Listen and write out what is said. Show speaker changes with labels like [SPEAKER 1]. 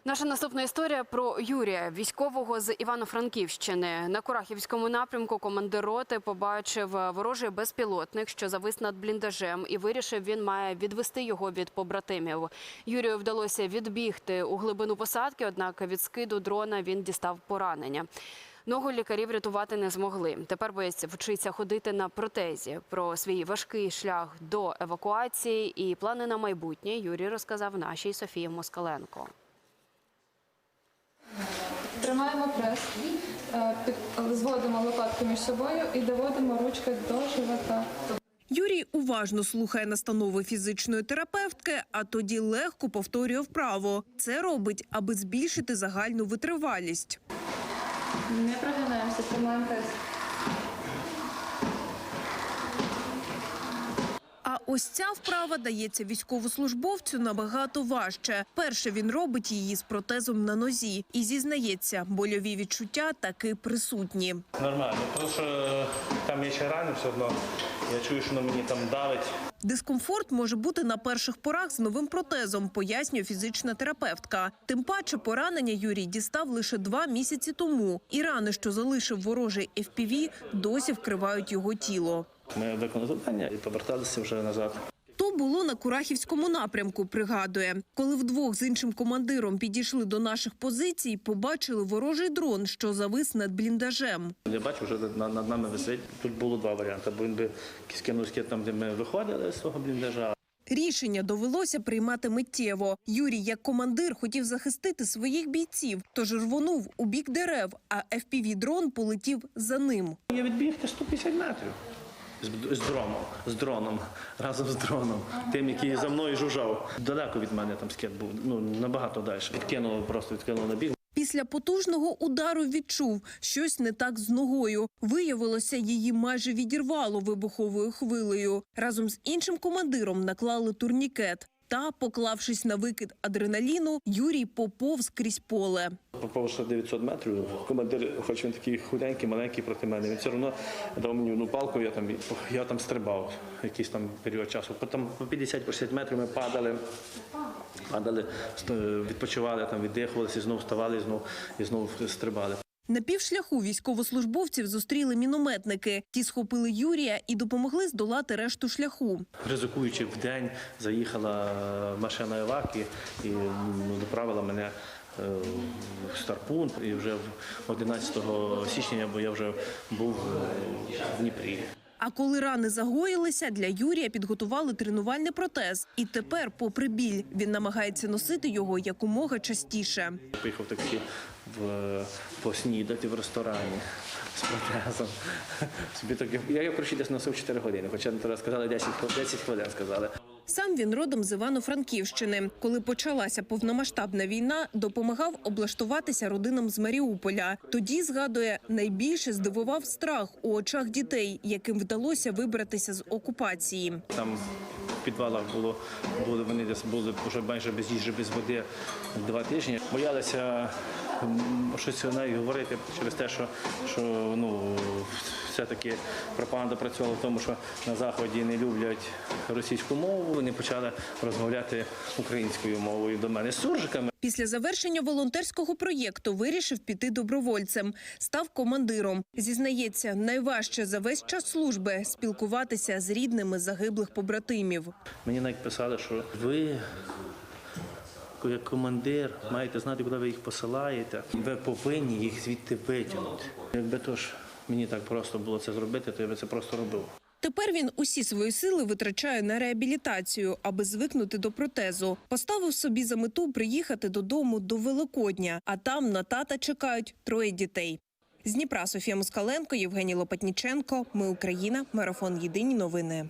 [SPEAKER 1] Наша наступна історія про Юрія, військового з Івано-Франківщини. На Курахівському напрямку командир роти побачив ворожий безпілотник, що завис над бліндажем, і вирішив, він має відвести його від побратимів. Юрію вдалося відбігти у глибину посадки, однак від скиду дрона він дістав поранення. Ногу лікарі врятувати не змогли. Тепер боєць вчиться ходити на протезі. Про свій важкий шлях до евакуації і плани на майбутнє Юрій розказав нашій Софії Москаленко.
[SPEAKER 2] Тримаємо прес, зводимо лопатки між собою і доводимо ручки до живота.
[SPEAKER 3] Юрій уважно слухає настанови фізичної терапевтки, а тоді легко повторює вправо. Це робить, аби збільшити загальну витривалість.
[SPEAKER 2] Не прогинаємося, тримаємо прес.
[SPEAKER 3] А ось ця вправа дається військовослужбовцю набагато важче. Перше він робить її з протезом на нозі. І зізнається, больові відчуття таки присутні.
[SPEAKER 4] Нормально, тому що там є ще рани все одно. Я чую, що на мені там давить.
[SPEAKER 3] Дискомфорт може бути на перших порах з новим протезом, пояснює фізична терапевтка. Тим паче поранення Юрій дістав лише 2 місяці тому. І рани, що залишив ворожий FPV, досі вкривають його тіло.
[SPEAKER 4] Ми виконали завдання і поверталися вже назад.
[SPEAKER 3] То було на Курахівському напрямку, пригадує. Коли вдвох з іншим командиром підійшли до наших позицій, побачили ворожий дрон, що завис над бліндажем.
[SPEAKER 4] Я бачу, вже над нами висить. Тут було 2 варіанти. Бо він би скинув скид там, де ми виходили з свого бліндажа.
[SPEAKER 3] Рішення довелося приймати миттєво. Юрій, як командир, хотів захистити своїх бійців, тож рвонув у бік дерев, а FPV-дрон полетів за ним.
[SPEAKER 4] Я відбіг 150 метрів. З дроном, разом з дроном, тим, який за мною жужжав. Далеко від мене там скид був, набагато далі. Відкинуло на бік.
[SPEAKER 3] Після потужного удару відчув, щось не так з ногою. Виявилося, її майже відірвало вибуховою хвилею. Разом з іншим командиром наклали турнікет. Та, поклавшись на викид адреналіну, Юрій поповз крізь поле.
[SPEAKER 4] Поповзши 900 метрів, командир, хоч він такий худенький, маленький проти мене, він все одно дав мені одну палку, я там стрибав якийсь там період часу. Потім по 50-60 метрів ми падали, відпочивали, віддихувалися, знову вставали і знову стрибали.
[SPEAKER 3] На півшляху військовослужбовців зустріли мінометники. Ті схопили Юрія і допомогли здолати решту шляху.
[SPEAKER 4] Ризикуючи вдень, заїхала машина еваки і доправила мене в Старпун. І вже 11 січня я вже був в Дніпрі.
[SPEAKER 3] А коли рани загоїлися, для Юрія підготували тренувальний протез. І тепер, попри біль, він намагається носити його якомога частіше.
[SPEAKER 4] Поїхав таки поснідати в ресторані з протезом. Я коротше десь носив 4 години, хоча тоді сказали 10 хвилин сказали.
[SPEAKER 3] Сам він родом з Івано-Франківщини. Коли почалася повномасштабна війна, допомагав облаштуватися родинам з Маріуполя. Тоді, згадує, найбільше здивував страх у очах дітей, яким вдалося вибратися з окупації.
[SPEAKER 4] Там в підвалах вони десь були вже майже без їжі, без води 2 тижні. Боялися щось навіть говорити через те, що все-таки пропаганда працювала в тому, що на Заході не люблять російську мову, вони почали розмовляти українською мовою до мене з суржиками.
[SPEAKER 3] Після завершення волонтерського проєкту вирішив піти добровольцем. Став командиром. Зізнається, найважче за весь час служби – спілкуватися з рідними загиблих побратимів.
[SPEAKER 4] Мені навіть писали, що ви, як командир, маєте знати, куди ви їх посилаєте. Ви повинні їх звідти витягнути. Якби мені так просто було це зробити, то я би це просто робив.
[SPEAKER 3] Тепер він усі свої сили витрачає на реабілітацію, аби звикнути до протезу. Поставив собі за мету приїхати додому до Великодня, а там на тата чекають 3 дітей. З Дніпра Софія Москаленко, Євгеній Лопатніченко. Ми Україна. Марафон. Єдині новини.